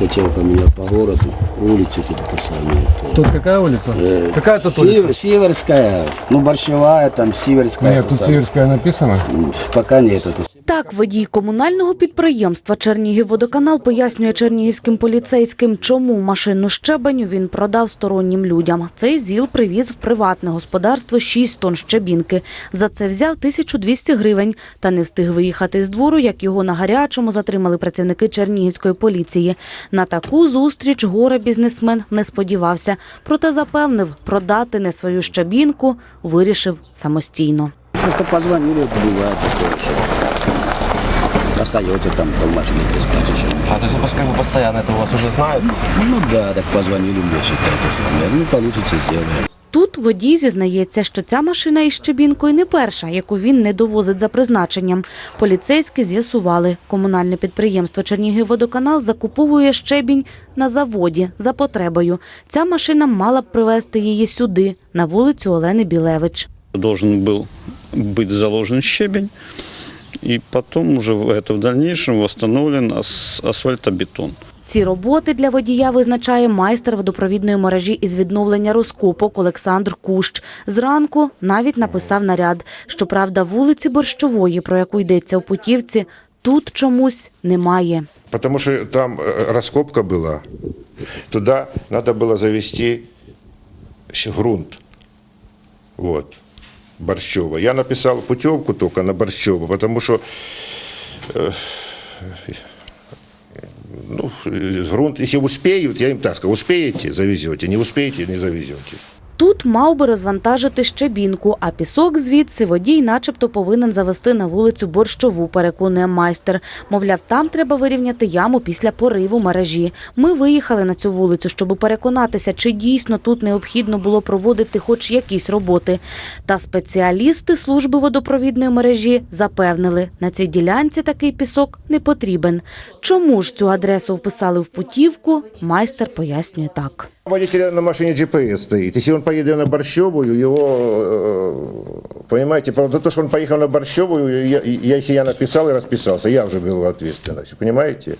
хотел поменять по городу, улицы тут это самое. Тут какая улица? Какая тут улица? Северская, ну Борщевая, там Северская. Нет, тут Северская написано. Пока нет. Так, водій комунального підприємства «Чернігівводоканал» пояснює чернігівським поліцейським, чому машину щебеню він продав стороннім людям. Цей ЗІЛ привіз в приватне господарство 6 тонн щебінки. За це взяв 1200 гривень та не встиг виїхати з двору, як його на гарячому затримали працівники чернігівської поліції. На таку зустріч горе-бізнесмен не сподівався, проте запевнив, продати не свою щебінку вирішив самостійно. Просто позвонили, бывает такое все. Остается там полмашины таскать еще. А, то есть вы как бы постоянно это у вас уже знают? Ну да, так позвонили мне, считай, это самое. Ну, получится, сделаем. Тут водій зізнається, що ця машина із щебінкою не перша, яку він не довозить за призначенням. Поліцейські з'ясували, комунальне підприємство «Чернігівводоканал» закуповує щебінь на заводі за потребою. Ця машина мала б привезти її сюди, на вулицю Олени Білевич. Должен был быть заложен щебень, и потом уже это в дальнейшем восстановлен асфальтобетон. Ці роботи для водія визначає майстер водопровідної мережі із відновлення розкопок Олександр Кущ. Зранку навіть написав наряд. Щоправда, вулиці Борщової, про яку йдеться у путівці, тут чомусь немає. Потому что там раскопка была. Туда надо было завести грунт. Вот. Борщева. Я написал путевку только на Борщева, потому что грунт, если успеют, я им так сказал, успеете – завезете, не успеете – не завезете. Тут мав би розвантажити щебінку, а пісок звідси водій начебто повинен завести на вулицю Борщову, переконує майстер. Мовляв, там треба вирівняти яму після пориву мережі. Ми виїхали на цю вулицю, щоб переконатися, чи дійсно тут необхідно було проводити хоч якісь роботи. Та спеціалісти служби водопровідної мережі запевнили, на цій ділянці такий пісок не потрібен. Чому ж цю адресу вписали в путівку, майстер пояснює так. У водителя на машине GPS стоит. Если он поедет на Борщевую, его, понимаете, за то, что он поехал на Борщевую, я написал и расписался, я уже был ответственность, понимаете?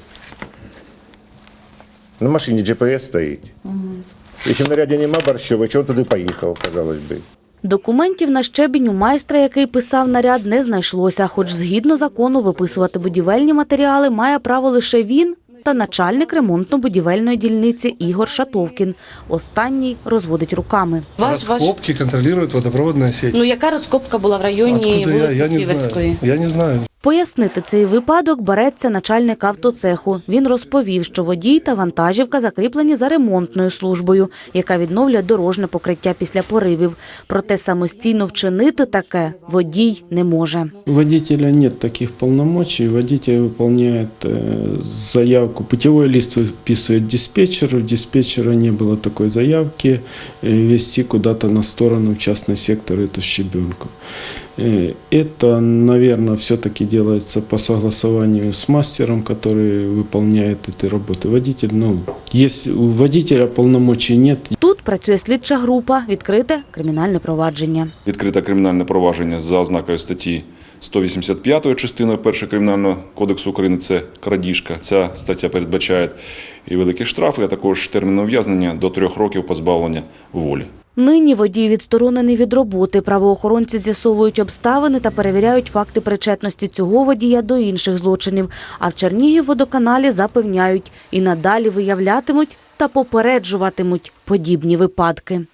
На машине GPS стоит. Если в наряде нема Борщевой, чего он туди поїхав, казалось би. Документів на щебінь у майстра, який писав наряд, не знайшлося, хоч згідно закону виписувати будівельні матеріали має право лише він та начальник ремонтно-будівельної дільниці Ігор Шатовкін. Останній розводить руками. Раскопки контролирует водопроводная сеть. Ну, яка розкопка була в районі вулиці Сіверської? Я не знаю. Пояснити цей випадок береться начальник автоцеху. Він розповів, що водій та вантажівка закріплені за ремонтною службою, яка відновлює дорожне покриття після поривів. Проте самостійно вчинити таке водій не може. У водителя нет таких полномочий. Водитель выполняет заявку. Путевой лист выписывает диспетчеру. У диспетчера не было такой заявки вести куда-то на сторону, в частный сектор, эту щебенку. Это, наверное, все-таки делается по согласованию с мастером, который выполняет эти работы. Водитель, у водителя полномочий нет. Тут працює слідча група, відкрите кримінальне провадження. Відкрите кримінальне провадження за ознакою статті 185 частиною 1 Кримінального кодексу України – це крадіжка. Ця стаття передбачає і великі штрафи, а також термін ув'язнення до 3 років позбавлення волі. Нині водій відсторонений від роботи. Правоохоронці з'ясовують обставини та перевіряють факти причетності цього водія до інших злочинів. А в Чернігівводоканалі запевняють, і надалі виявлятимуть та попереджуватимуть подібні випадки.